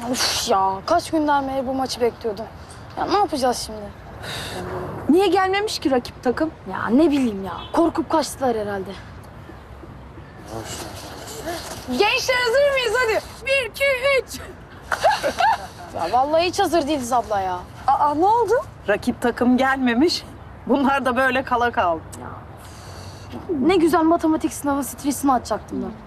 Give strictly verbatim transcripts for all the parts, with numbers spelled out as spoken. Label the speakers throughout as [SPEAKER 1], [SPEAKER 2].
[SPEAKER 1] Of ya, kaç günden beri bu maçı bekliyordum. Ya ne yapacağız şimdi?
[SPEAKER 2] Niye gelmemiş ki rakip takım?
[SPEAKER 1] Ya ne bileyim ya, korkup kaçtılar herhalde.
[SPEAKER 2] Gençler hazır mıyız hadi? Bir, iki, üç.
[SPEAKER 1] Ya vallahi hiç hazır değiliz abla ya.
[SPEAKER 2] Aa ne oldu?
[SPEAKER 3] Rakip takım gelmemiş. Bunlar da böyle kala kaldı.
[SPEAKER 1] Ne güzel matematik sınavı stresini atacaktım ben.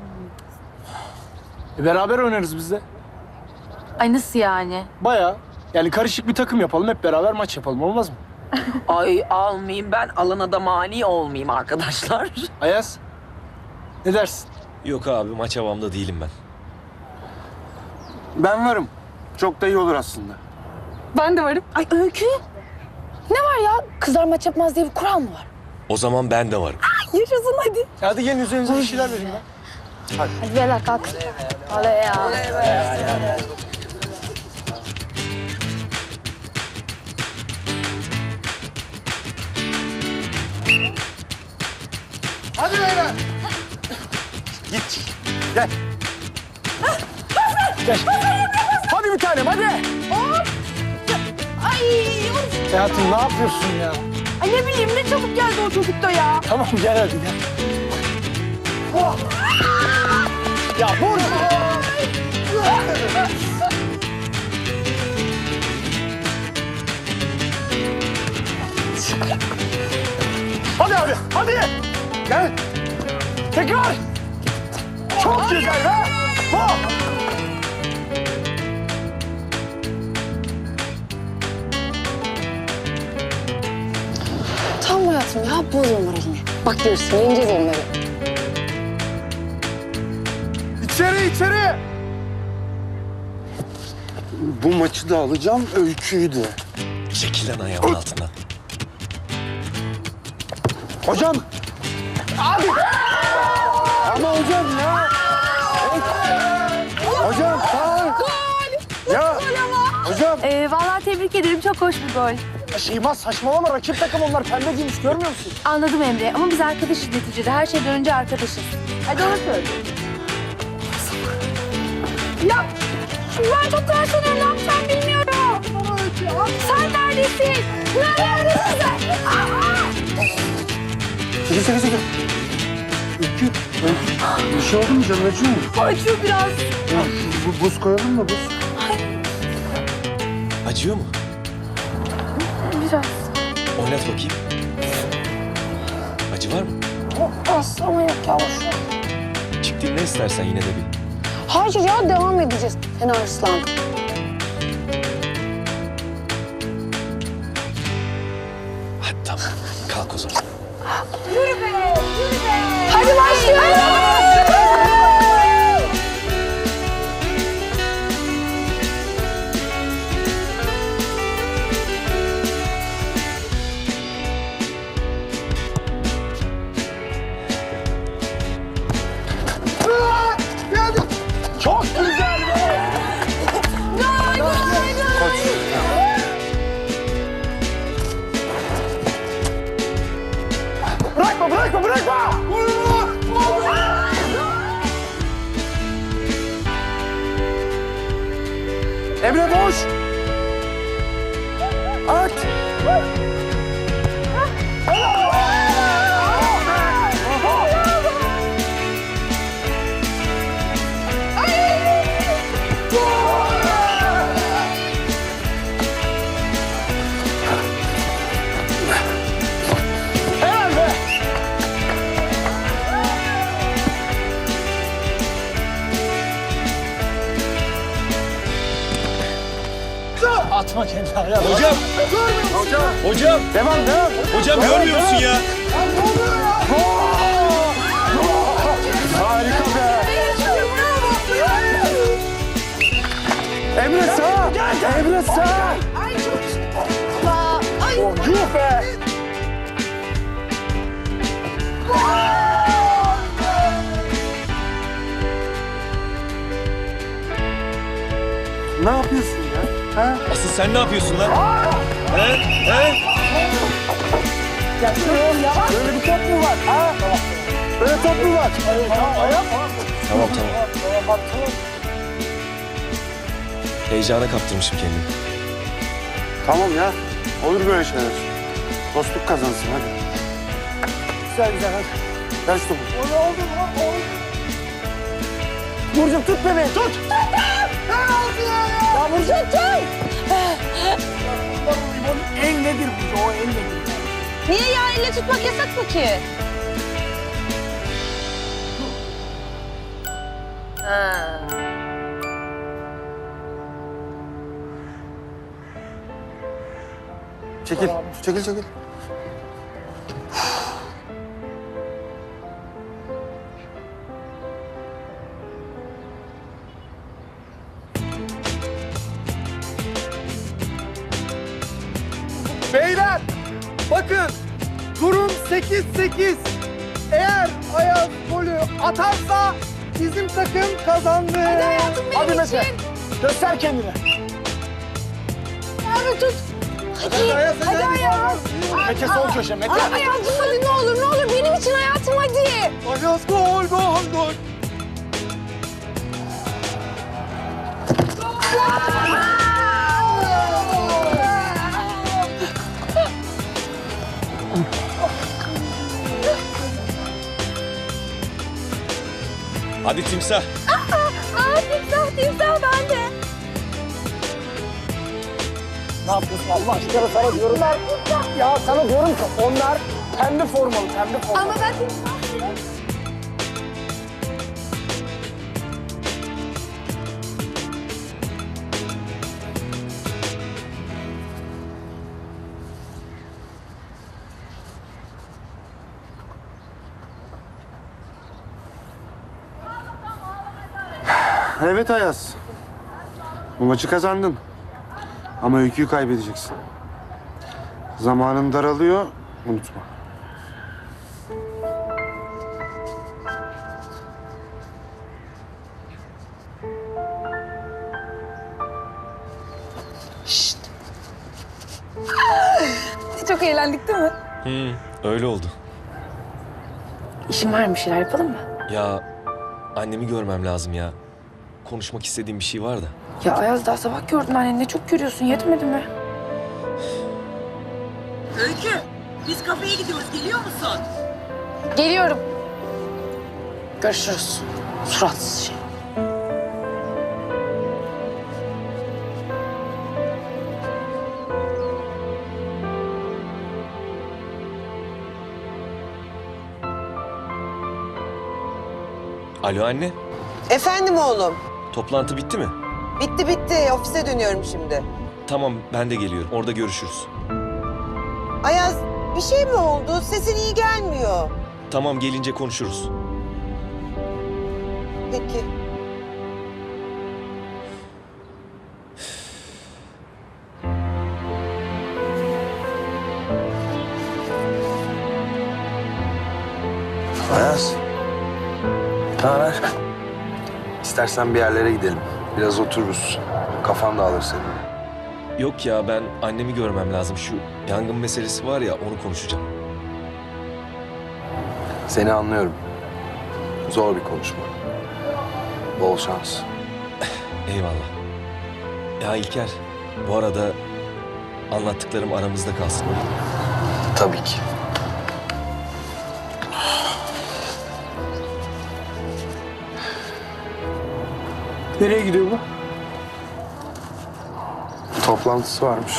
[SPEAKER 4] E beraber oynarız biz de.
[SPEAKER 2] Ay nasıl yani?
[SPEAKER 4] Bayağı. Yani karışık bir takım yapalım, hep beraber maç yapalım. Olmaz mı?
[SPEAKER 3] Ay almayayım ben, alana da mani olmayayım arkadaşlar.
[SPEAKER 4] Ayaz, ne dersin?
[SPEAKER 5] Yok abi, maç havamda değilim ben.
[SPEAKER 6] Ben varım. Çok da iyi olur aslında.
[SPEAKER 2] Ben de varım.
[SPEAKER 1] Ay Öykü, ne var ya? Kızlar maç yapmaz diye bir kural mı var?
[SPEAKER 5] O zaman ben de varım.
[SPEAKER 2] Yaşasın hadi.
[SPEAKER 4] Hadi gelin üzerinize bir şeyler vereyim ben.
[SPEAKER 1] Hadi beyler kalk. Hadi ya.
[SPEAKER 6] Hadi beyler. Git. Gel.
[SPEAKER 4] Gel. Hadi bir tanem, hadi.
[SPEAKER 2] Ay,
[SPEAKER 4] Hayatım ne yapıyorsun ya?
[SPEAKER 2] ay ne bileyim ne çabuk geldi o çocuk da ya.
[SPEAKER 4] Tamam gel hadi gel. Oh. Ya vur. Hadi abi, hadi. Gel. Tekrar. Çok güzel ha. Oh.
[SPEAKER 1] Tamam hayatım ya, bozma moralini. Bak görürsün, yeneceğiz onları.
[SPEAKER 6] İçeri içeri. Bu maçı da alacağım, Öykü'yü de.
[SPEAKER 5] Çekil lan ayağımın altından.
[SPEAKER 6] Hocam. Abi. Ama hocam ya. Hocam sağ ol. Gol. Ya. Hocam.
[SPEAKER 2] Ee, vallahi tebrik ederim çok hoş bir gol.
[SPEAKER 4] Şeyma saçmalama, rakip takım onlar. Pembe giymiş, görmüyor musun?
[SPEAKER 2] Anladım Emre ama biz arkadaşız neticede. Her şeyden önce arkadaşız. Hadi onu söyle. Ya ben çok terslanıyorum. Ne yapacağım bilmiyorum. Sen neredesin? Neredesin sen? Aa!
[SPEAKER 6] Çekil çekil çekil. Öykü. Öykü. Bir şey oldu mu canım, acıyor mu?
[SPEAKER 2] Acıyor biraz.
[SPEAKER 6] Ya, bu, buz koyalım mı buz?
[SPEAKER 5] Acıyor mu?
[SPEAKER 1] Biraz.
[SPEAKER 5] Oynat bakayım. Acı var mı?
[SPEAKER 1] Az ama yok ya, boş ver.
[SPEAKER 5] Çıktığın ne istersen yine de bir.
[SPEAKER 1] Hayır ya, devam edeceğiz. Sen arslan.
[SPEAKER 5] Hadi tamam. Kalk o zaman.
[SPEAKER 1] Hadi başlıyoruz.
[SPEAKER 4] Çok güzel be. Bırakma, bırakma, bırakma. Emre boş. At. Helal be. Atma kendini ayağa.
[SPEAKER 5] Hocam!
[SPEAKER 6] Hocam.
[SPEAKER 5] Hocam!
[SPEAKER 6] Devam devam.
[SPEAKER 5] Hocam görmüyor musun ya?
[SPEAKER 6] Harika be. Emre sağ. Emre sağ.
[SPEAKER 4] Oh, yuh be.
[SPEAKER 6] Ne yapıyorsun ya? Ha?
[SPEAKER 5] Asıl sen ne yapıyorsun lan? He? He?
[SPEAKER 4] Ya şöyle ya. Böyle bir top mu var? Ha? Böyle top mu var? Tamam, ayak.
[SPEAKER 5] Tamam tamam.
[SPEAKER 4] Tamam, tamam.
[SPEAKER 5] Heyecana kaptırmışım kendimi.
[SPEAKER 6] Tamam ya. Olur böyle şeyler. Dostluk kazansın hadi.
[SPEAKER 4] Güzel güzel hadi.
[SPEAKER 6] Ver şu topu.
[SPEAKER 4] Oldu oldu oldu. oldu. Burcu'm tut bebeği tut. Tuttum. Ne oldu ya? Ya Burcu tut. Onun en nedir Burcu o en nedir?
[SPEAKER 2] Niye ya? Elle tutmak yasak mı ki? Ha.
[SPEAKER 6] Çekil. Çekil çekil.
[SPEAKER 4] Beyler bakın durum sekiz sekiz. Eğer Ayaz golü atarsa bizim takım kazandı. Hadi hayatım benim Hadi Mete. Göster kendini.
[SPEAKER 2] Abi tut.
[SPEAKER 4] Hadi Ayaz. Hadi, hadi Ayaz. Mete sol köşe Mete.
[SPEAKER 2] Ay, hayatım hadi ne olur ne olur benim için hayatım hadi.
[SPEAKER 4] Ayaz gol gol gol.
[SPEAKER 5] Hadi timsah.
[SPEAKER 2] Aa timsah timsah ben de.
[SPEAKER 4] Ne yapıyorsun Allah aşkına sana diyorum. Ya sana diyorum ki onlar pembe formalı pembe formalı.
[SPEAKER 2] Ama ben timsah değilim.
[SPEAKER 6] Evet Ayaz. Bu maçı kazandın. Ama öyküyü kaybedeceksin. Zamanın daralıyor, unutma.
[SPEAKER 2] Çok eğlendik değil mi?
[SPEAKER 5] Hı, öyle oldu.
[SPEAKER 2] İşim var mı bir şeyler yapalım mı?
[SPEAKER 5] Ya annemi görmem lazım ya. Konuşmak istediğim bir şey var da.
[SPEAKER 2] Ya Ayaz daha sabah gördün anneni ne çok görüyorsun yetmedi mi?
[SPEAKER 3] Öykü, biz kafeye gidiyoruz. Geliyor musun?
[SPEAKER 2] Geliyorum. Görüşürüz. Suratsız şey.
[SPEAKER 5] Alo anne,
[SPEAKER 7] Efendim oğlum.
[SPEAKER 5] toplantı bitti mi?
[SPEAKER 7] Bitti bitti. Ofise dönüyorum şimdi.
[SPEAKER 5] Tamam, ben de geliyorum. Orada görüşürüz.
[SPEAKER 7] Ayaz bir şey mi oldu? Sesin iyi gelmiyor.
[SPEAKER 5] Tamam, gelince konuşuruz.
[SPEAKER 7] Peki.
[SPEAKER 6] Ayaz. Ne haber? İstersen bir yerlere gidelim. Biraz otururuz. Kafan dağılır senin.
[SPEAKER 5] Yok ya, ben annemi görmem lazım. Şu yangın meselesi var ya, onu konuşacağım.
[SPEAKER 6] Seni anlıyorum. Zor bir konuşma. Bol şans.
[SPEAKER 5] Eyvallah. Ya İlker, bu arada anlattıklarım aramızda kalsın, olur mu?
[SPEAKER 6] Tabii ki.
[SPEAKER 4] Nereye gidiyor bu?
[SPEAKER 6] Toplantısı varmış.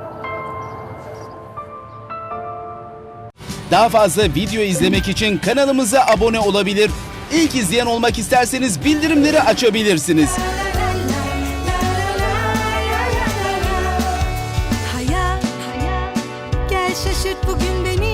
[SPEAKER 8] Daha fazla video izlemek için kanalımıza abone olabilir. İlk izleyen olmak isterseniz bildirimleri açabilirsiniz.
[SPEAKER 9] Hayat, gel şaşırt bugün beni.